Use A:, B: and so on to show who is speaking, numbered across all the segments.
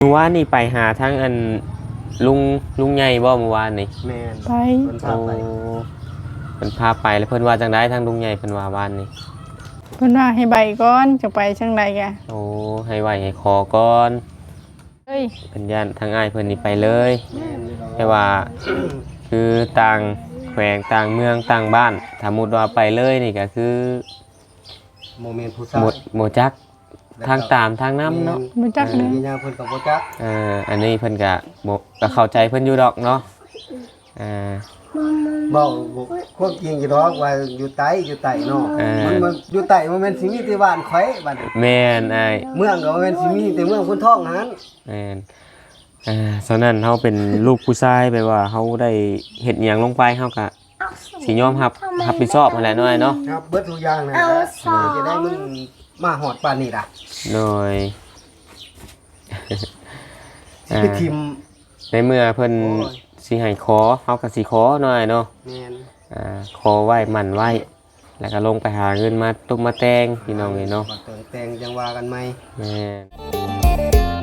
A: เมื่อวานนี่ไปหาทั้งอันลุงใหญ่บ่เมื่อวานนี่
B: แม่น
C: ไป
B: เพิ่นพา
A: โอ้
B: ไป
A: เพิ่นพาไปแล้วเพิ่นว่าจังได๋ทั้งลุงใหญ่เพิ่นว่าวานนี่
C: เพิ่นว่าให้ใบก่อนจะไปจังไดกะ
A: โอ้ให้ไหวให้ขอก่อน
C: เอ้ย
A: เพิ่นย่านทางอ้ายเพิ่นนี่ไปเลย
B: แม่นอยู่ดอก
A: แต่ว่าคือต่างแขวงต่างเมืองต่างบ้านถ้ามุติว่าไปเลยนี่ก็คือ
B: โมเมนต์ผู้ชาย
A: หมดจักทางตามทางน้ำเนาะ
C: บ่จัก
B: เด้
C: เด้
B: มีหยังเพิ่นก็บ่จัก
A: อันนี้เพิ่นก็เข้าใจเพิ่นอยู่ดอกเนาะ
B: เว้าความจริงอยู่ดอกว่าอยู่ไตเนาะมันอยู่ไตบ่แม่นสิมีแต่บ้านข่อยบัดนี้
A: แม่นอ้าย
B: เมืองก็บ่แม่นสิมีแต่เมืองคนท้องนั้น
A: แม่นฉะนั้นเฮาเป็นลูกผู้ชายแปลว่าเฮาได้เฮ็ดหยังลงไปเฮาก็สิยอมรับผิดชอบนั่นแหละน้อยเนาะ
B: ครับเบิดทุกอย่างนั่นแหละจะได้มึงมาฮอดปานนี้ล่ะ
A: โดย
B: สิไปทิม
A: ในเมื่อเพิ่นสิให้ขอเฮาก็สิขอหน่อยเนาะ
B: แม่น
A: ขอไว้หมั่นไว้แล้วก็ลงไปหาเงินมาตุกมาแต่งพี่น้องเนาะ
B: บัดเติงแต่งจังว่ากันใหม่
A: แม่น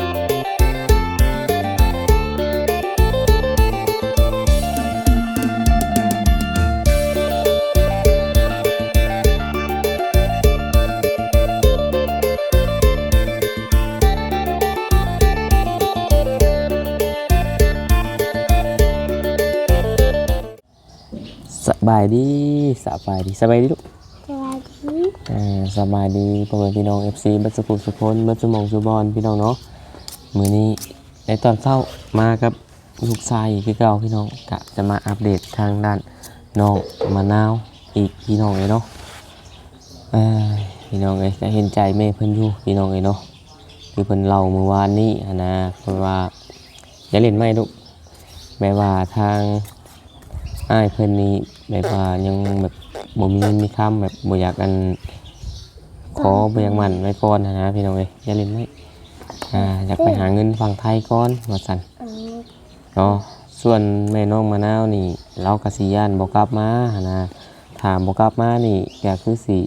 A: สบายดีลูกสบายดีพ่อแม่พี่น้อง FC บัดสุขุสุพลบัดสมองสุบอนพี่น้องเนาะมื้อนี้ในตอนเช้ามากับลูกชายคือเก่าพี่น้องกะจะมาอัปเดตทางด้านน้องมะนาวอีกพี่น้องเลยเนาะพี่น้องเอ้ยก็เห็นใจแม่เพิ่นอยู่พี่น้องเอ้ยเนาะคือเพิ่นเล่าเมื่อวานนี้นะเพิ่นว่าอย่าเล่นไม่ลูกแม้ว่าทางอ้ายเพิ่นนี้แบบว่ายังแบบบ่มีเงินมีคำแบบบ่อยากกันขอบ่อยากมั่นไว้ก่อนนะพี่น้องเอ้ยอย่าเล่นไม่อยากไปหาเงินฝั่งไทยก่อนว่าซั่นเนาะส่วนแม่น้องมะนาวนี่เราก็สิย้านบ่กลับมานะถ้าบ่กลับมานี่ก็คือสิ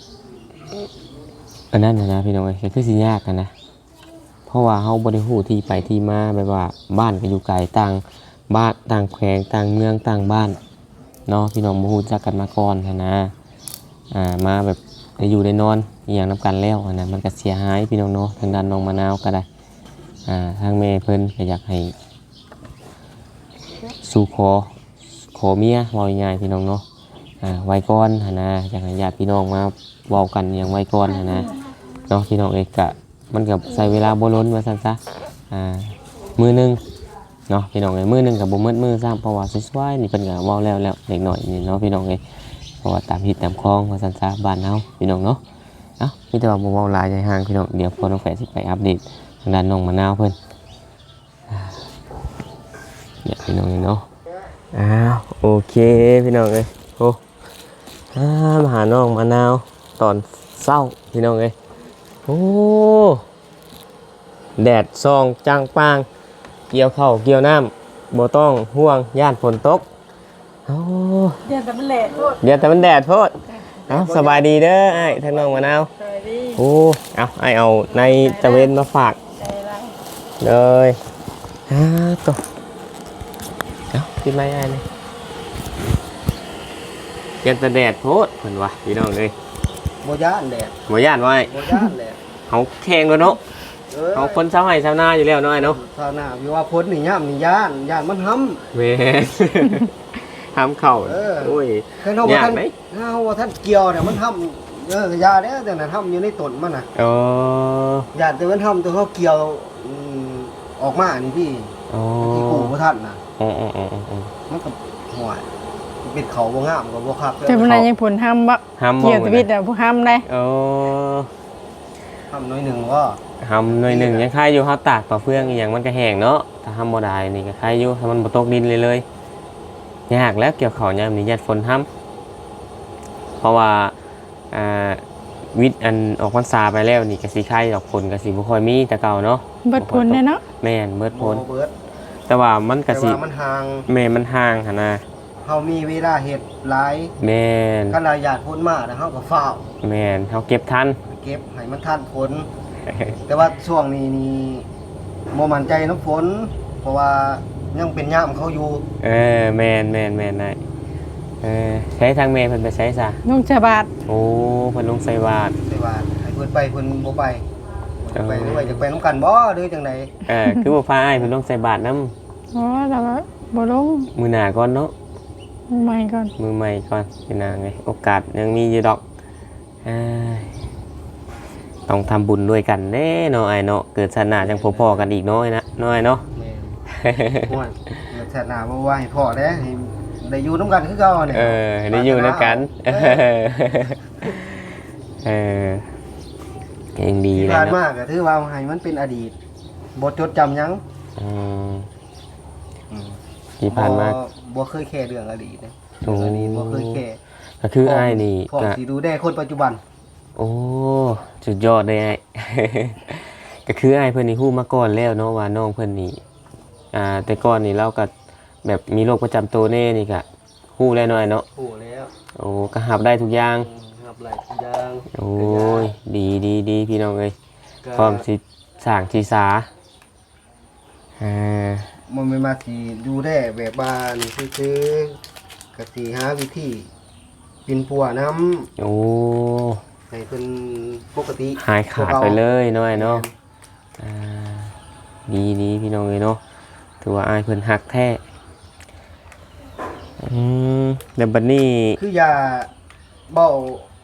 A: อันนั้นนะพี่น้องเอ้ยก็คือสิยากกันนะเพราะว่าเฮาบ่ได้ฮู้ที่ไปที่มาแบบว่าบ้านก็อยู่ไกลต่างบ้านต่างแขวงต่างเมืองต่างบ้านเนาะพี่น้องบ่ฮู้จักกันมาก่อนนะมาแบบได้อยู่ได้นอนอหย่างนํกันแล้วนะมันก็เสียหายพี่น้องเนาะทางด้านน้องมะนาวก็ได้ทางแม่เพิ่นก็อยากให้สู่ขอเมียเว้าง่ายๆพี่น้องเนาะไว้ก่อนนะอยากให้ญาติพี่น้องมาเว้ากันอย่างไว้ก่อนนะเนาะพี่น้องเอกก็มันก็ใช้เวลาบ่ล้นว่าซั่นซะมื้อนึงเนาะพี่น้องเอ้ยมื้อนึงก็บ่หมดมื้อซ้ำเพราะว่าสวยๆนี่เพิ่นก็เว้าแล้วเด็กน้อยนี่เนาะพี่น้องเอ้ยเพราะว่าตามฮิตตามคลองว่าซั่นซะบ้านเฮาพี่น้องเนาะมีแต่ว่าบ่เว้าหลายใจห่างพี่น้องเดี๋ยวพ่อน้องแฝดสิไปอัปเดตทางด้านน้องมะนาวเพิ่นเนี่ยพี่น้องเนาะโอเคพี่น้องเอ้ยโอ้มาหาน้องมะนาวตอนเช้าพี่น้องเอ้ยโอ้แดดส่องจางปางเกี่ยวข้าวเกี่ยวน้ำบ่ต้องห่วงย่านฝนตก
C: เดี๋ยวแต่มันแหละโทษ
A: เดี๋ยวแต่มันแดดโพดสบายดีเด้อไอ้ทางน้องมะนาว
C: สวัสดี
A: โอ้ไอ้เอาในตะเวนมาฝาก
C: ใจรัก
A: เลยตัวกินไหมไอ้เลยยันแต่แดดโพดเพิ่นว่าพี่น้องเลย
B: บ่ย้านแดด
A: บ่ย่านไว้
B: บ่ย้านแดด
A: เขาแข่งแล้วเนาะเขาคนชาวไร่ชาวนาอยู่แล้วเนาะไอ้เนาะ
B: ชาวนาวิว่าพ้นนี่ย่ำนี่ย่านมันห้ำ
A: เว้ทำเข่าโอ้ย
B: เคยเฮาว่าท่านเฮาว่าท่านเกี่ยวเนี่ยมันห้ำยาเด้อแต่น่ะห้ำอยู่ในต้นมันน่ะ
A: อ๋อย
B: าแต่มันห้ำตัวเขาเกี่ยวออกมานี่พี่
A: อ๋อ
B: ที่กูบ่ท่านน่ะ
A: อ๋อ
B: มันก็ห่วยเป็นเขาบ่งามก็บ่คัก
C: แต่มันนั้นยังผลห้ามบ่
A: ห้ามมอง
C: เกี่ยวชีวิตอ่ะผู้ห้ามได้
A: อ๋อ
B: ห้ำน้อยหนึงก็
A: ห้ามหน่อยหนึ่งยังคายอยู่เขาตากปลาเฟืองอย่างมันก็แห้งเนาะถ้าห้ามบ่ได้นี่ก็คายอยู่ถ้ามันบ่ตกดินเลยยากแล้วเกี่ยวข้าวยามนี้ญาติฝนห้ามเพราะว่าวิทย์อันออกพรรษาไปแล้วนี่ก็สิคายดอกผลก็สิบ่ค่อยมีแต่เก่าเนาะ
C: เบิดผลแน่เนาะ
A: แม่นเบิดผล
B: บ่เบิด
A: แต่ว่ามันก็
B: แต่
A: สิ
B: ว่ามันห่าง
A: แม่มันห่างหั่นนะ
B: เฮามีเวลาเฮ็ดหลาย
A: แม่น
B: คันเราอยากพ้นมาแล้วเฮาก็ฟ้าว
A: แม่นเฮาเก็บทัน
B: เก็บให้มันทันผล แต่ว่าช่วงนี้นี่บ่มั่นใจน้ำฝนเพราะว่ายังเป็นย่ามเขาอยู่
A: แม่นได้ใช้ทางแม่เพิ่นไปใช้ซะ
C: นุ่งฉบาด
A: โอ้เพิ่นลงใส่บาตร
B: แต่ว่าให้เพิ่นไปเพิ่นบ่ไปเพิ่นไปหรือว่าจะไปนํกันบ่หรือจังได๋
A: คือบ่พาอ้ายเพิ่นลงใส่บาตรนำ
C: อ๋อแล้วก็บ่ลง
A: มื้อหน้าก่อนเนาะ
C: ใหม่ก่อน
A: มือใหม่ก่อนพี่นางไงโอกาสยังมีอยู่ดอกเอ้ยต้องทำบุญด้วยกันแน่เนาะไอ้เนาะเกิดศาสนาจังพอๆกันอีกน้อยนะน้อยเนาะ
B: แม่นโอ้ยศาสนาบ่ว่าให้พ่อเด้ให้ได้อยู่นํกันคือเก่าเนี่ย
A: ได้อยู่ด้วยกันเก่งดี
B: ที่
A: เลย
B: ผ่าน
A: เนาะ
B: มาก็ถือว่าให้มันเป็นอดีตบ่จดจำหยัง
A: อืมที่ผ่านมา
B: บ่เคยแค่เรื่องอดีตนะ
A: โอ้
B: เรื่องอดีตบ่เคยแค่
A: ก็คือไอ้ายนี่
B: พ่อ
A: ก็
B: สิดูแลคนปัจจุบัน
A: โอ้สุดยอดเลยไอ้ ก็คือไอ้ายเพิ่นนี่ฮู้มาก่อนแล้วเนาะว่าน้องเพิ่นนี่แต่ก่อนนี่เราก็แบบมีโรคประจำตัวแน่นี่ก็ฮู้แล้วเนาะไอ้เนาะ
B: โอ้แล้ว
A: โอ้ก็หับได้ทุกอย่าง
B: ครับหลายอย่าง
A: โอ้ยดีพี่น้องเอ้ย
B: ก็
A: พร้อมสิสร้างทีสา
B: มันไม่มาสิดูแลแบบบ้านซื่อๆก็สิหาวิธีกินปัวน้ำ
A: โอ้
B: ให้เพิ่นปกติ
A: หายขาดไปเลยน้อยเนาะดีพี่น้องเอ้ยเนาะถือว่าอายเพิ่นหักแท้เดี๋ยวบัดนี้
B: คือยาเบ้า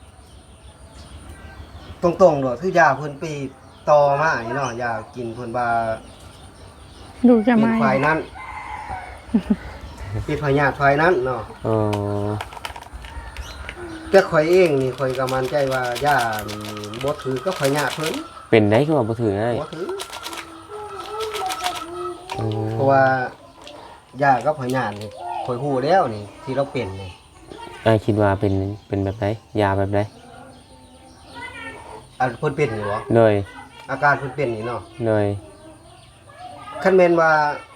B: ตรงๆโดดคือยาเพิ่นไปต่อมานี่เนาะยากินเพิ่นว่า
C: ดูจะ
B: เป็
C: ไม่
B: นไฟนั้น เป็นพยาธิไฟนั้นเนาะ
A: อ๋อ
B: แต่ข่อยเองนี่ข่อยก็มั่นใจว่ายานี่บ่ถือกับพยาธิเพิ่น
A: เป็นได้คือว่าบ่ถือง่าย
B: บ่ถือเพราะว่ายากับพยาธินี่ข่อยฮู้แล้วนี่ที่เราเป็นนี่
A: อายคิดว่าเป็นแบบไหนยาแบบไหน
B: อันเพิ่นเป็นนี่บ่
A: เลย
B: อาการเพิ่นเป็นนี่เนาะ
A: เลย
B: คันแม่นว่า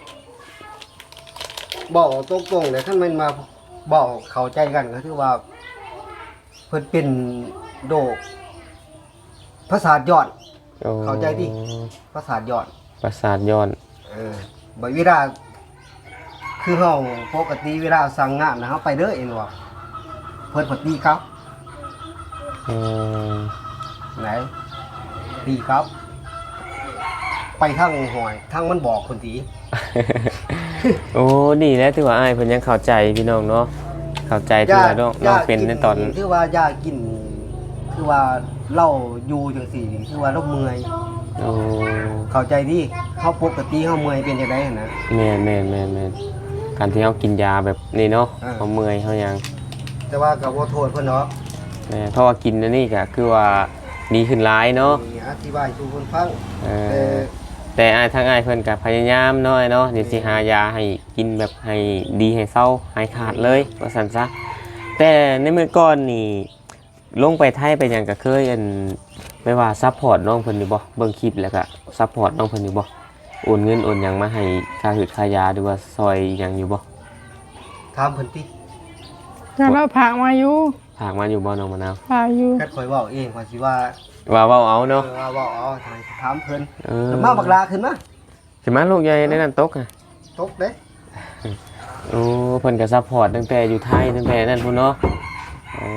B: บอกตรงๆเลยคันแม่นมาบอกเข้าใจกันก็คือว่าเพิ่นเป็นโรคประสาทย้อน
A: โอ้
B: เข้าใจดิ ประสาทย้อน
A: ประสาทย้อน
B: บ่เวลาคือเฮาปกติเวลาสั่งงานนะเฮาไปเด้อเองว่าเพิ่นพอดีครับ
A: อืม
B: ไหนดีครับ ไปทางหอยทางมันบอกคนที
A: โอ้ดีแล้วถือว่าอ้ายเพิ่นยังเข้าใจพี่น้องเนาะเข้าใจที่ว่าน้องเป็นในตอน
B: คือว่ายากินคือว่าเล่าอยู่จังซี่นี่คือว่าเราเมื่อย
A: โอ้
B: เข้าใจดิเฮาปกติเฮาเมื่อยเป็นจังได๋นะ
A: แม่นการที่เฮากินยาแบบนี้เนาะ
B: อ่า
A: เฮาเมื่อยเฮาหยัง
B: แต่ว่าก็บ่โทษเพิ่นเนาะ
A: แม่เพราะว่ากินอันนี้ก็คือว่าดีขึ้นหลายเนาะ
B: นี่อธิบายสู่เพิ่นฟัง
A: เอ
B: แต่
A: แต่อ้ายทางอ้ายเพิ่นก็พยายามเนาะเนาะเดี๋ยวสิหายาให้กินแบบให้ดีให้เศร้าหายขาดเลยว่าซั่นซะแต่ในมื้อก่อนนี่ลงไปไทยไปหยังก็เคยอันไม่ว่าซัพพอร์ตน้องเพิ่นอยู่บ่เบิ่งคลิปแล้วก็ซัพพอร์ตน้องเพิ่นอยู่บ่โอนเงินโอนหยังมาให้ค่าหืดค่ายาหรือว่าซอยหยังอยู่บ่
B: ถามเพิ่นติ
C: จะเราผากมาอยู่
A: ฝากมาอยู่บ่น้องมะนาว
C: ผากอยู่
B: คัดข่อยเว้าเองว่าสิว่า
A: ว่าเว้าเอาเนาะ
B: ว่าเว้าเอาทางถามเพิ่น
A: เออ
B: แล้วมาบักลาขึ้นมา
A: สิมาลูกใหญ่ในนั้นตกอ่ะ
B: ตกเด้
A: โอ้เพิ่นก็ซัพพอร์ตตั้งแต่อยู่ไทยตั้งแต่นั่นพุ่นเนาะโอ้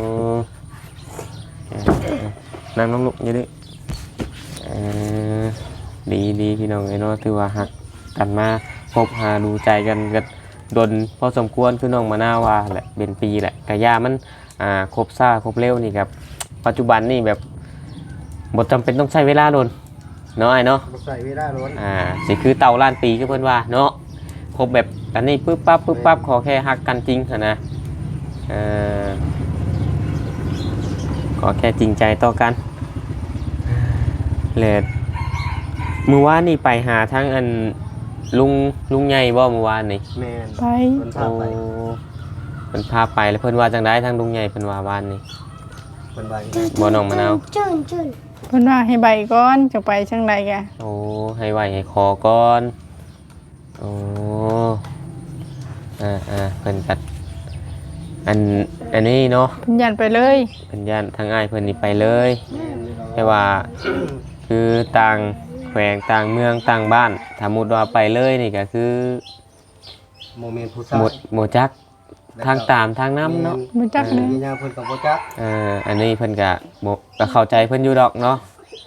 A: นั่งน้องลูกอยู่ดิเออดีพี่น้องไอ้เนาะถือว่าฮักกันมาพบหาดูใจกันก็ดนพอสมควรคือน้องมะนาวว่าแหละเป็นปีแหละกะยามันครบซ่าครบเร็วนี่ครับปัจจุบันนี่แบบบ่จำเป็นต้องใช้เวลาโดนเนาะไอ้เนาะ
B: บ่ใส่เวลาโดน
A: สิคือเตาล้านปีก็เพิ่นว่าเนาะครบแบบอันนี้ปึ๊บปั๊บขอแค่ฮักกันจริงเถอะนะขอแค่จริงใจต่อกันเลยมื้อวานนี่ไปหาทั้งอันลุงใหญ่บ่มื้อวานนี่
B: แม่น
C: ไป
B: เพิ่นพาไป
A: เพิ่นพาไปแล้วเพิ่นว่าจังได๋ทั้งลุงใหญ่เพิ่นว่าวานนี่
B: เพิ่นว่าอย่างนั้น
A: บ่น้องมะนาว
C: เพิ่นว่าให้ใบก่อนจะไปจังไดกะ
A: โอ้ให้ไหวให้ขอก่อนโอ้เพิ่นตัดอันนี้เนาะ
C: เพิ่นยันไปเลย
A: เพิ่นย่านทางอ้ายเพิ่นนี่ไปเลย
B: แม่นอยู่ดอก
A: แต่ว่าคือต่างแขวงต่างเมืองต่างบ้านถ้ามุดว่าไปเลยนี่ก็คือ
B: โมเมนต์ผู้ชาย
A: หมดจักทางตามทางน้ำเนาะ
C: บ่จักเลย
B: มียาเพิ่นกับบ่จัก
A: อันนี้เพิ่นก็เข้าใจเพิ่นอยู่ดอกเนาะ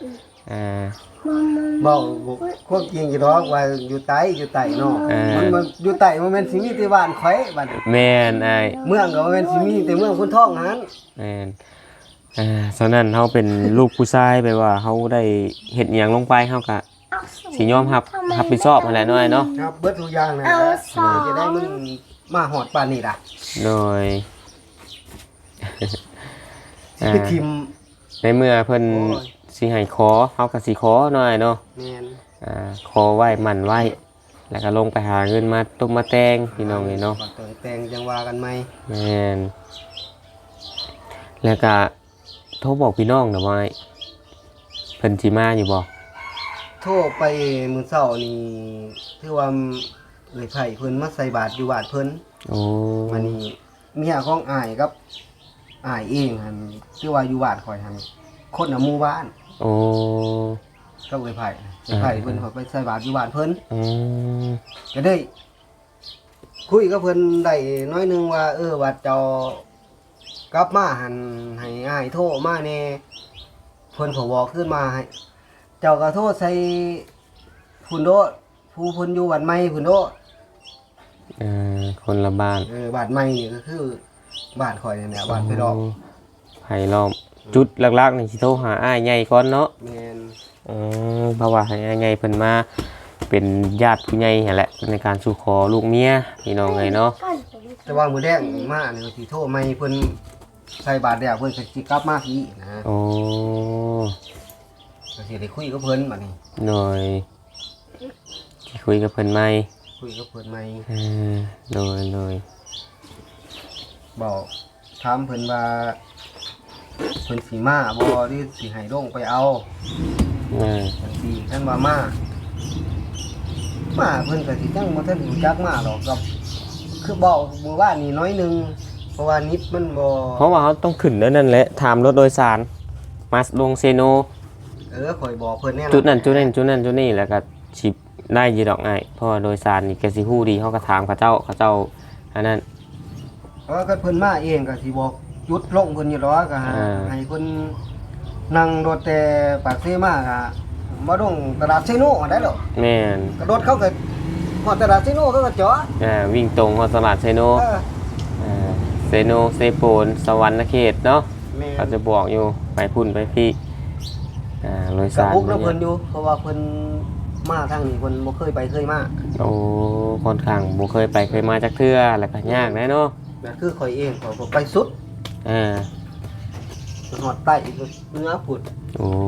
B: บ่ควบจริงอยู่ดอกว่าอยู่ใต้เนาะมันอยู่ใต้บ่แม่นสิมีแต่บ้านข่อยบ้าน
A: แม่นอ้าย
B: เมืองก็บ่แม่นสิมีแต่เมืองคนท้องหัน
A: แม่นฉะนั้นเฮาเป็นลูกผู้ชายแปลว่าเฮาได้เฮ็ดหยังลงไปเฮาก็สิยอมรับผิดชอบนั่นแหละน้อยเนาะ
B: ครับเบิดทุกอย่างนะจะได้มันมาฮอดปานนี้ล่ะ
A: โดย
B: คือทิม
A: ในเมื่อเพิ่นสิให้ขอเฮาก็สิขอหน่อยเนาะ
B: แม่น
A: ขอไว้หมั่นไว้ แล้วก็ลงไปหาเงินมาตุกมาแต่งพี่น้องนี่เนาะ
B: บัดเติงแต่งจังว่ากันไหม
A: แม่นแล้วก็โทรบอกพี่น้องน่ะว่าเพิ่นสิมาอยู่บ่
B: โทรไปมื้อเช้านี่ถือว่าเอ้ยไผเพิ่นมาใส่บาตรอยู่บ้านเพิ่น
A: โอ้
B: วันนี้เมียของอ้ายกับอ้ายเองหั่นคือว่าอยู่บ้านข่อยหั่นคนน่ะหมู่บ้าน
A: โอ้
B: ก็เอ้ยไผเพิ่นเขาไปใส่บาตรอยู่บ้านเพิ่น
A: อืม
B: ก็ได้คุยกับเพิ่นได้น้อยหนึงว่าว่าเจ้ากลับมาหันให้อ้ายโทรมาแน่เพิ่นก็บอกขึ้นมาให้เจ้าก็โทรใส่พุ่นโดผู้เพิ่นอยู่บ้านใหม่พุ่นโด
A: คนละบ้าน
B: บ้านใหม่นี่ก็คือบ้านข่อยนี่แหละบ้านไผดอก
A: ไผล้อมจุดหลักๆนี่สิโทรหาอ้ายใหญ่ก่อนเนาะ
B: แม่น
A: เพราะว่าให้อ้ายใหญ่เพิ่นมาเป็นญาติผู้ใหญ่นั่นแหละในการสู่ขอลูกเมียพี่น้องเอ้ยเนาะ
B: แต่ว่ามื้อแดงมานี่ก็สิโทรใหม่เพิ่นใส่บาตรแล้วเพิ่นก็สิกลับมาพี่นะ
A: โอ้
B: ก็สิได้คุยกับเพิ่นบัดนี้
A: หน่อยสิคุยกับเพิ่นไหม
B: คุยกับเพิ่นใหม่
A: โดย
B: บอกถามเพิ่นว่าเพิ่นสิมาบ่หรือสิให้ลงไปเอา จังซี่ท่านว่ามาเพิ่นก็สิจังบ่ทันรู้จักมาหรอกกับคือบอกมื้อวานนี้น้อยหนึงเพราะว่านิดมันบ่
A: เพราะว่าเขาต้องขึ้นแล้วนั่นแหละถามรถโดยสารมาลงเซโน
B: ข่อยบอกเพิ่นแน่
A: จุดนั้นจุดนี้แล้วก็สิได้อยีดอกไงเพราะว่าโดยสารนี่แกสิฮู้ดีเขาก็ถามเขาเจ้าอันนั้น
B: ก็เพิ่นมาเองก็สิบอกจุดลงเพิ่นอยู่ดอกก็ให้เพิ่นนั่งรถแต่ปากเสมาก็มาลงตลาดไซโนได้หรอก
A: แม่น
B: กระโดดเขาก็ฮอดตลาดไซโนเขาก็จอด
A: วิ่งตรงฮอดตลาดเซโนเซโนเซโปนสวรรค์เขตเนาะ
B: แม่
A: เขาจะบอกอยู่ไปพุ่นไปพี่โดย
B: ก็
A: สาร
B: พุกนำเพิ่นอยู่เพราะว่าเพิ่นมาทางนี้เพิ่นบ่เคยไปเคยมา
A: โอ้ค่อนข้างบ่เคยไปเคยมาจักเทื่อแล้วก็ยากแน่เนาะ
B: นั่นคือข่อยเองข่อยก็ไปสุด หอดใต้อีกเนื้อผุด
A: โอ้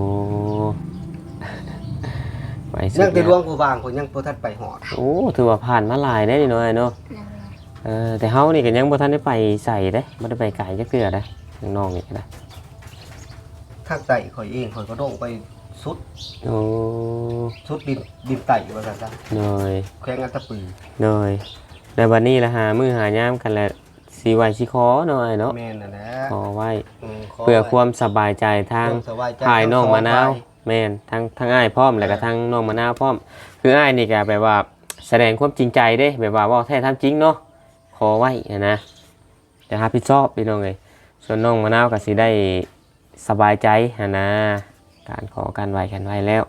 A: ไปสุ
B: ยังแต่
A: ด
B: ดวงผู้บางคนยังบ่ทันไปหอด
A: โอ้ถือว่าผ่านมาหลายได้นี่น้อยเนาะแต่เฮานี่ก็ยังบ่ทันได้ไปใส่เด้บ่ได้ไปไกลจักเทื่อเด้น้องๆนี่ก็ได้
B: ทางใต้ข่อยเองข่อยก็โด่งไปสุด
A: โอ้
B: สุดดินไต่ว่าซั่นซะ
A: น้อย
B: แข้งอัตตปือ
A: น้อยในวันนี้ละหามื้อหายามกันแหละสิไหวสิขอหน่อยเนาะ
B: แม่นน่ะนะ
A: ขอไว้
B: ขอ
A: เพื่อความสบายใจทาง
B: ความสบายใจ
A: ถ่ายน้องมะนาวแม่นทั้งอ้ายพร้อมแล้วก็ทั้งน้องมะนาวพร้อม คืออ้ายนี่ก็แบบว่าแสดงความจริงใจเด้แบบว่าเว้าแท้ทำจริงเนาะขอไว้นะจะรับผิดชอบพี่น้องเอ้ยส่วนน้องมะนาวก็สิได้สบายใจนะการขอการไหวกันไว้แล้ว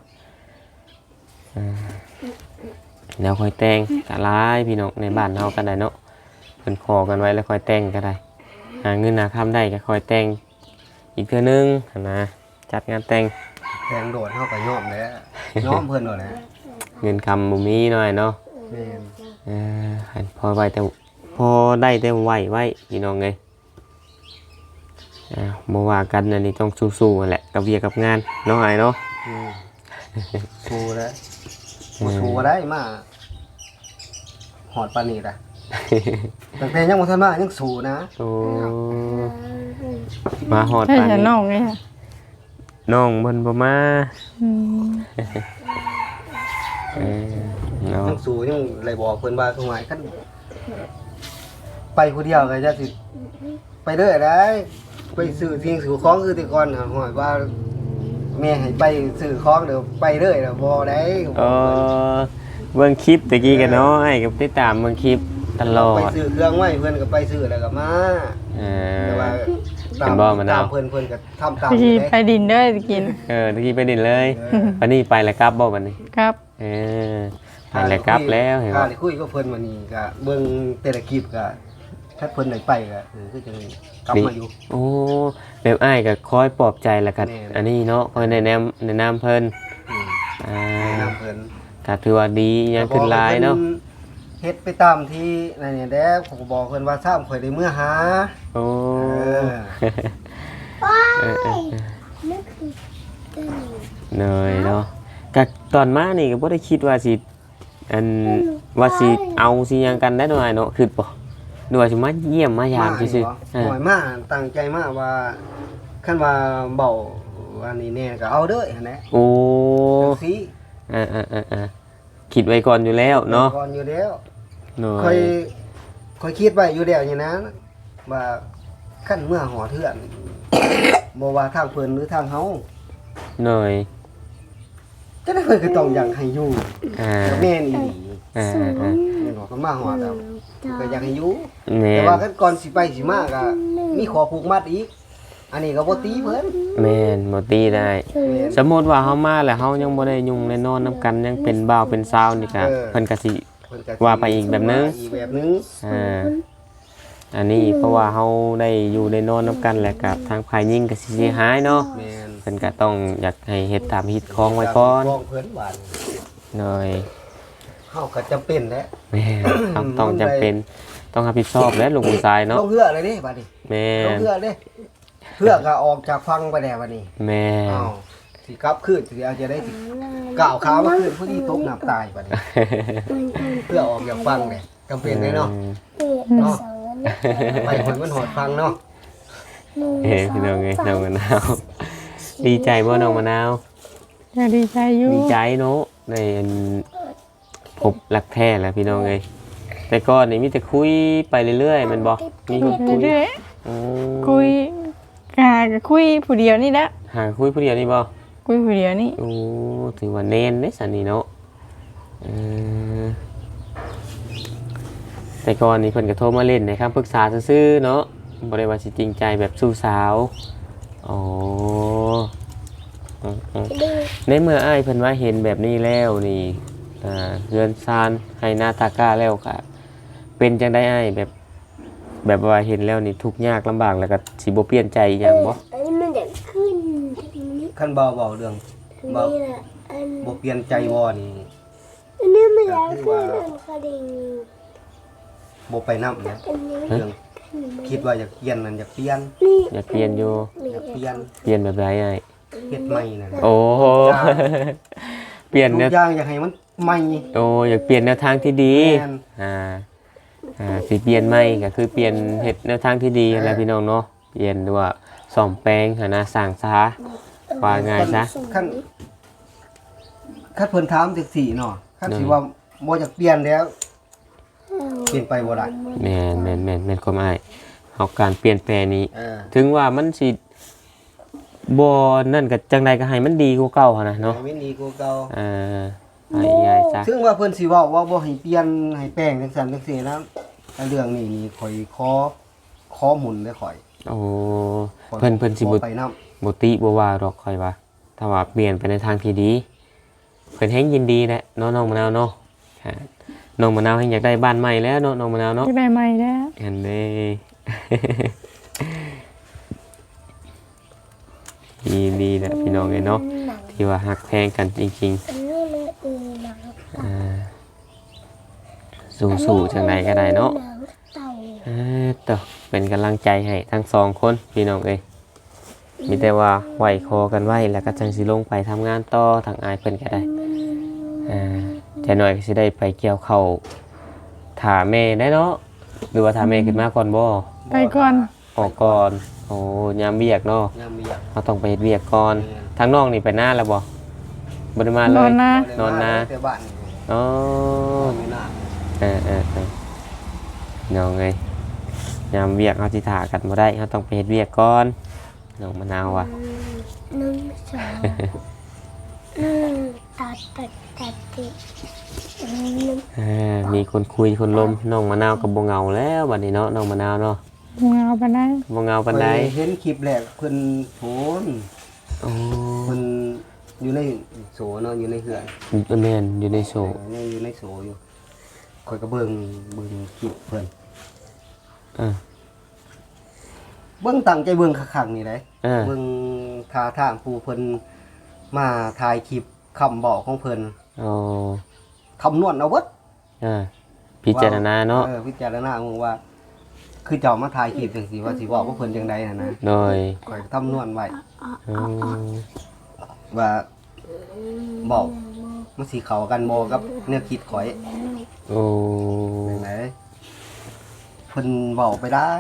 A: แล้วค่อยแต่งก็หลายพี่น้องในบ้านเฮากันได้เนาะเพิ่นขอกันไว้แล้วค่อยแต่งก็ได้หาเงินหาค่ำได้ก็ค่อยแต่งอีกเทื่อนึงนะจัดงานแต่ง
B: แทงโดดเฮาก็ยอมแล้วยอมเพิ่นโดดแหละ
A: เงินคำบ่มีหน่อยเนาะ
B: แม่น
A: ให้พอไว้แต่พอได้แต่ไหวไว้พี่น้องเอ้ยบ่ว่ากันอันนี้ต้องสู้ๆนั่นแหละกับเวียกับงานเนาะอ้ายเนาะ
B: สู้แล้วบ่สู้บ่ได้มาหอดปานนี้ล่ะตั้งแต่ยังบ่ทันมายังสู้นะ
A: โอ้มาฮอด
C: ใช่
A: ปาน
C: ฉัน
A: นี้
C: น้องไงค่ะ
A: น้องเพิ่นบ่มา
C: อืม
A: เนาะ
B: ยังสู้ยังเลยบอกเพิ่นว่าคือหมายคันไปผู้เดียวก็จะสิไปเด้อได้ไปซื้อสิ่งซื้อของคือแต่ก่อนหอยว่าแม่ให้ไปซื้อของเดี๋ยวไปเรื่อยแล้วบ่ได้
A: เออเบิ่งคลิปตะกี้กันเนาะไอ้กับติดตามเบิ่งคลิปตลอ
B: ไป
A: ด
B: ซื้อเครื่องไว้เพิ่นก็ไปซื้อแล้วก็มา
A: เอ
B: แต่
A: อ
B: ว่า
A: เป็นบ่มะนาว
B: ตเพิ่นก็ทำตาม
C: ไป
B: อยู่
C: ไปดินเด้อสิกิน
A: ตะกี้ไปดินเลยวันนี้ไปแล้วกลับบ่วันนี้
C: ครับ
A: เออไปแล้วกลับแล้วเห็น
B: ค่า
A: บ่
B: ได้คุยกับเพิ่นวันนี้ก็เบิ่งแต่ละคลิปก็ถ้าเพิ่นได้ไปก็คือจังกลับมาอยู่
A: โอ้แบบอ้ายก็คอยปลอบใจแล้วกัน
B: แน่
A: อันนี้เนาะคอยแนะนำเพิ่น
B: อืม
A: อ่า
B: น้ำเพิ่น
A: ก็ถือว่าดียังขึ้นหลายเนาะ
B: เฮ็ดไปตามที่นั่นนี่แหละผมก็บอกเพิ่นว่าซ้ำข่อยได้เมื่อหา
A: โอ้
B: เออ
A: เออเนยเนาะก็ตอนมานี่ก็บ่ได้คิดว่าสิอันว่าสิเอาสิหยังกันได้หน่อยเนาะคือบ่หน่วยสิมาเยี่ยมมายามซื่อๆ
B: หน่อยมาตั้งใจมาว่าคันว่าเบาอันนี้แน่ก็เอาเด้อหั่นแหละ
A: โอ้
B: จังซี่
A: คิดไว้ก่อนอยู่แล้วเนาะ
B: ก่อนอยู่แล้ว
A: หน่อ
B: ค่อย ยค่อยคิดไว้อยู่แล้วอย่างนั้นว่าคันเมื่อหอเถื่อนบ่ว่าทางเพิ่นหรือทางเฮา
A: หน่อย
B: จะได้เพิ่นก็ต้องอยากให้อยู่
A: อ่า
B: แต่แม่นอีหลี
A: อ่า
B: แม่นบอกกันมาหอแล้วก็อยากให้อยู่
A: แม่
B: แต่ว่ากันก่อนสิไปสิมาก็มีขอผูกมัดอีก อันนี้ก็บ่ตีเพิ่น
A: แม่นบ่ตีได้
B: แม่น
A: สมมุติว่าเฮามาแล้วเฮายังบ่ได้ยุ่งได้นอนนํกันยังเป็นบ่าวเป็นสาวนี่ก็
B: เออ
A: เพิ่นก็สิ
B: เพิ่นก็
A: ว่าไปอีกแบบนึง
B: อีกแบบนึง
A: อันนี้เพราะว่าเฮาได้อยู่ได้นอนนํกันแล้วกับทางฝ่ายหญิงก็สิเสียหายเนาะ
B: แม่น
A: เพิ่นก็ต้องอยากให้เฮ็ดตามฮิตของไว้ก่อน
B: ฟ้องเพิ่นบาด
A: หน่อย
B: เฮาก็จำเป็นแหละ
A: แม่ต้องจำเป็นต้องรับผิดชอบแล้วลุงคุณทรายเนาะ
B: ลงเรือเลยดิบัดนี้
A: แม่
B: ลงเรือเด้เพื่อก็ออกจากฟังไปแล้วบัดนี้
A: แม่
B: อ้าวสิกลับคืนสิเอาจะได้สิก้าวขามาคืนผู้ที่ตกน้ำตายบัดนี้ เพื่อออกจากฟังเนี่ยจำเป็นเลยเนาะเนาะไปคนมันหอดฟังเนาะ
A: พี่น้องไงน้องมะนาวดีใจบ่น้องมะนาว
C: อย่าดีใจอยู่
A: ดีใจเนาะในอันพบรักแท้แล้วพี่น้องเอ้ยแต่ก่อนนี่มีแต่คุยไปเรื่อยๆแมันบ่มีคนคุย
C: เรื่อย
A: โอ้
C: ๆคุยกาก็คุยผู้เดียวนี่แหละ
A: หาคุยผู้เดียวนี่บ่
C: คุยผู้เดียวนี่
A: โอ้ถือว่าเน้นเด้สันนี่เนาะเออแต่ก่อนนี่เพิ่นก็โทรมาเล่นนะครับปรึกษาซื่อๆเนาะบ่ได้ว่าสิจริงใจแบบสู้สาวอ๋ออืมในเมื่ออ้ายเพิ่นว่าเห็นแบบนี้แล้วนี่เรือนซานให้หน้าตากล้าแล้วก็เป็นจังได้อ้ายแบบว่าเห็นแล้วนี่ทุกข์ยากลำบากแล้วก็สิบ่เปลี่ยนใจอีหยังบ่
D: อันนี้มันจะขึ้นทีนี้
B: ขั้นเบาเรื่อง
D: อันนี้แหละอัน
B: บ่เปลี่ยนใจบ่นี่
D: อันนี้มันจะขึ้นอันคดิง
B: บ่ไปนำนะ
D: อันนี้
B: เรื่องคิดว่าอยากเปลี่ยนนั่นอยากเปลี่ยน
D: นี่
A: อยากเปลี่ยนอยู่
B: อยากเปลี่ยน
A: เปลี่ยนแบบไรอ้าย
B: เฮ็ดใหม่นั่น
A: โอ้โห เปลี่ยน
B: ทุ
A: แนว
B: กอย่างอยากให้มันใหม่
A: โอ้อยากเปลี่ยนแนวทางที่ดี
B: แม่น
A: สิเปลี่ยนใหม่ก็คือเปลี่ยนเฮ็ดแนวทางที่ดีแล้วพี่น้องเนาะเปลี่ยนด้วยว่าซ่อมแปลงหานะสร้างซะว่าง่ายซะ
B: ขั้นเพิ่นถามจังซี่เนาะคันสิว่าบ่อยากเปลี่ยนแล้วเปลี่ยนไปบ่ได้
A: แม่นความอ้ายเฮาการเปลี่ยนแปลงนี้
B: เออ
A: ถึงว่ามันสิบ่นั่นก็จังใดก็ให้มันดีกว่าเก่าหั่นนะเนาะ
B: ให้มันดีกว่าเก่า
A: ให้ง่ายซะ
B: ถึงว่าเพิ่นสิเว้าว่าบ่ให้เปลี่ยนให้แป้งจังซั่นจังซี่นะแต่เรื่องนี้นี่ข่อยขอหมุนได้ข่อย
A: โอ้เพิ่นสิบ่
B: ไปนำ
A: บ่ติบ่ว่าดอกค่อยว่าถ้าว่าเปลี่ยนไปในทางที่ดีเพิ่นแฮงยินดีแหละเนาะน้องมะนาวเนาะน้องมะนาวแฮงอยากได้บ้านใหม่แล้วเนาะน้องมะนาวเนาะ
C: จะได้ใหม่แล้ว
A: อันนี้ ดีแหละพี่น้องเอ้ยเนาะที่ว่าฮักแพงกันจริง
D: อันนี้มันหนัง
A: ๆสู้ๆจังไดก็ได้เนาะ
D: หนังเต่า
A: ต่อเป็นกำลังใจให้ทั้งสองคนพี่น้องเอ้ยมีแต่ว่าไหวคอกันไว้แล้วก็จังสิลงไปทำงานต่อทางอายเพิ่นก็ได้จะหน่อยก็สิได้ไปเกี่ยวข้าวถาแม่ได้เนาะหรือว่าถาแม่ขึ้นมาก่อนบ่
C: ไปก่อน
A: ออกก่อนโอ้ยามเวียกเนาะ
B: ยามเวียก
A: เราต้องไปเฮ็ดเวียกก่อนทางน้องนี่ไปหน้าแล้วบ่บ่ได้มาเล
C: นอย นนะ
A: นอนนา
B: แต่บ้านนี่
A: อ๋อ
B: ไม่น่า
A: น้องเอ้ยยามเวียกเฮาสิท่ากันบ่ได้เฮาต้องไปเฮ็ดเวียกก่อนน้องมะนาวว่ะ
D: 1 2 ตัดติ1
A: มีคนคุยคนลมน้องมะนาวกับบ่เหงาแล้วบัดนี้เนาะน้องมะนาวเนาะ
C: เงาปานใด
A: บ่เหงาปานใด
B: ข้อยเห็นคลิปแรกเพิ่นโหน
A: โอ้
B: เพิ่นอยู่ในโสเนาะอยู่ในเหือน
A: แม่นอยู่ในโซ
B: ยังอยู่ในโสอยู่ข่อยก็เบิ่งคลิปเพิ่น
A: อ่า
B: เบิ่งตั้งใจเบิ่งคักๆนี่ได้
A: เบิ่ง
B: ท่าทางผู้เพิ่นมาถ่ายคลิปคำบอกของเพิ่น
A: อ๋อ
B: คำนวณเอาเบิด
A: พิจารณาเนาะ
B: พิจารณามึงว่า คือเจ้ามาถ่ายคลิปจังซี่ว่าสิบอกว่าเพิ่นจังไดน่ะนะ
A: โดย
B: ข่อยคำนวณไว้
A: อืม
B: ว่าบอกมันสิเข้ากันบ่กับแนวคิดข่อย
A: โอ้
B: จังไดเพิ่นบอกไปได้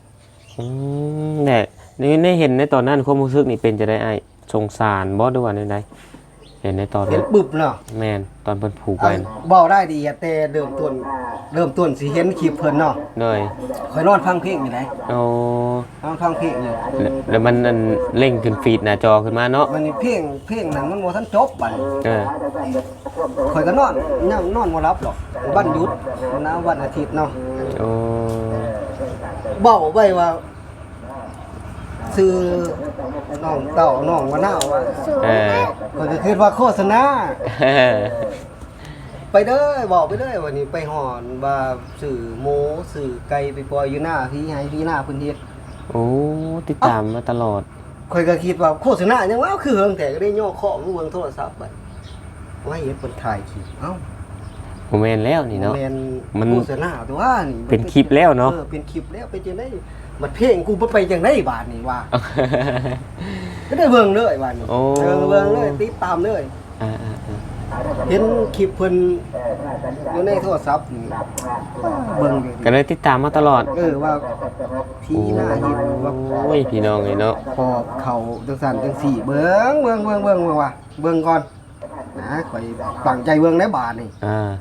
A: เนี่ยนี่เห็นในตอนนั้นความรู้สึกนี่เป็นจะได้ไอ้สงสารบ่ด้วยว่าใดเห็นในตอน
B: เห็
A: นั้น น
B: ปึบเนาะ
A: แม่นตอนเพิ่นผูกไว้
B: บอกได้ดีอะแต่เริ่มต้นสิเห็นคลิปเพิ่นเนาะ
A: โดย
B: ข่อยนอนฟังเพลงอยู่ไหน
A: โอ้
B: นอนฟังเพลงอยู่
A: แล้วมันอันเร่งขึ้นฟีดหน้าจอขึ้นมาเนาะ
B: มันนี่เพลงนั้นมันบ่ทันจบบัด
A: เออ
B: ข่อยก็นอนยังนอนบ่หลับหรอกวันหยุดนะวันอาทิตย์เนาะ
A: โอ้
B: เบ้าไว้ว่าซื้อน้องเต่าน้องมะนาวว่า
A: เออ
B: ข่อยก็คิดว่าโฆษณาไปเด้อบอกไปเด้อวันนี้ไปหอนว่าสื่อหมูสื่อไก่ไปปล่อยอยู่หน้าพี่ให้พี่หน้าเพิ่นเฮ็ด
A: โอ้ติดตามมาตลอด
B: ข่อยก็คิดว่าโฆษณาจังว่าคือเฮิงแต่ก็ได้ย่อข้อมือเบิ่งโทรศัพท์ไปว่าเฮ็ดเพิ่นถ่ายคลิปเอ้า
A: บ่แม่นแล้วนี่เนาะ
B: แม่น
A: มัน
B: โฆษณาตัวนี่
A: เป็นคลิปแล้วเนาะ
B: เป็นคลิปแล้วเป็นจังได๋มันเพลงกูบ่ไปจังได๋บาดนี้ว่าก็ได้เบิ่งเลยบาดนี้
A: โอ้
B: เบิ่งเลยติดตามเลย
A: อ่า
B: เห็นคลิปเพิ่นอยู่ในโทรศัพท์นี่เบิ่งอยู่
A: ก็เลยติดตามมาตลอด
B: ว่าพี่หน้าเห็นว่า
A: โอ้ยพี่น้องเลยเนาะ
B: พอเขาจังซั่นจังซี่เบิ่งว่าเบิ่งก่อนนะข่อยตั้งใจเบิ่งในบาดนี่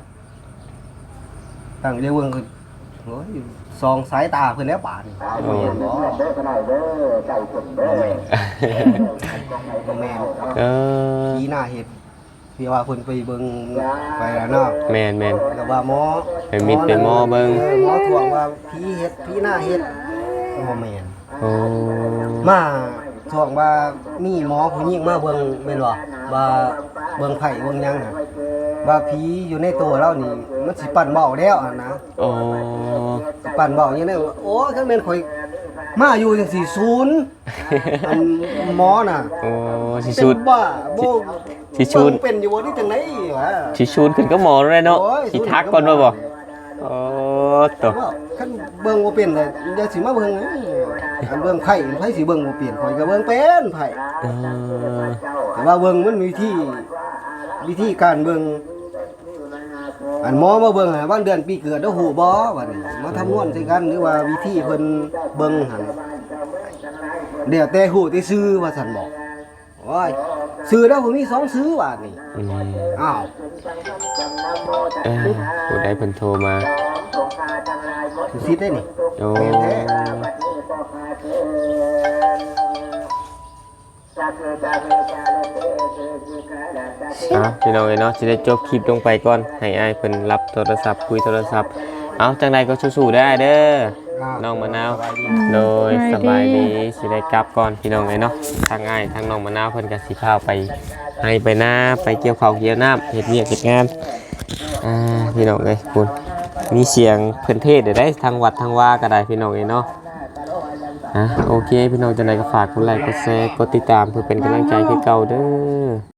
B: ตั้งใจเบิ่งคือโอ้ยส่องสายตาเพิ่นแล้วบาดนี่บ่เห็นบ่บ่แม่น
A: เออ
B: พี่หน้าเห็นที่ว่าเพิ่นไปเบิ่งไปแล้วเนาะ
A: แม่น
B: ก็ว่าหมอ
A: ไปมิดไปหมอเบิ่ง
B: หมอทวงว่าพี่เฮ็ดพี่หน้าเฮ็ดบ่แม่น
A: โอ้
B: มาทวงว่ามีหมอผู้หญิงมาเบิ่งแม่นบ่ว่าเบิ่งไผเบิ่งหยังน่ะว่าผีอยู่ในตัวเรานี่มันสิปั่นเบ้าแล้วอะนะ
A: โอ้
B: สิปั่นเบ้าอย่างนี้โอ้คันแม่นข่อยมาอยู่จังซี่ศูนย์อันหมอน่ะ
A: โอ้สิ
B: เป็น
A: ชุด
B: บ้าบ่
A: สิชูน
B: เบิ่งเป็นอยู่บ่นี่จังได๋วะ
A: สิชูนขึ้นก็หมอเลยเนาะ
B: โอ้ย
A: สิทักก่อนว่าบ่โอ้ตัว
B: ว่าคันเบิ่งบ่เป็นเลยอย่าสิมาเบิ่งนะอันเบิ่งไผสิเบิ่งบ่เป็นข่อยก็เบิ่งเป็นไผ
A: เออ
B: แต่ว่าเบิ่งมันมีวิธีการเบิ่งอันหมอมาเบิ่งให้วันเดือนปีเกิดแล้วฮู้บ่ว่านี่มาทำนวนใส่กันหรือว่าวิธีเพิ่นเบิ่งหั่นเดี๋ยวแต่ฮู้แต่ซื้อว่าซั่นบอกโอ้ยซื้อแล้วบ่มีสองซื้อว่านี่
A: อืม
B: อ้าว
A: ผู้ใดเพิ่นโทรมา
B: สิซิดได้นี่
A: โอ้
B: แม่นแท้
A: พี่น้องเอ้ยเนาะสิได้จบคลิปลงไปก่อนให้อ้ายเพิ่นรับโทรศัพท์คุยโทรศัพท์เอาจังใดก็สู้ๆได้เด้อน้องมะนาว โดยสบายดีสิได้กลับก่อนพี่น้องเลยเนาะทางง่ายทางน้องมะนาวเพิ่นก็สิพาไปให้ไปหน้าไปเกี่ยวข้าวเกี่ยวน้ำเฮ็ดเวียกเฮ็ดงานพี่น้องเอ้ยคุณมีเสียงเพิ่นเทศน์ได้ทางวัดทางว่าก็ได้พี่น้องเอ้ยเนาะโอเคพี่น้องจังไดก็ฝากกดไลค์กดแชร์กดติดตามเพื่อเป็นกำลังใจคือเก่าเด้อ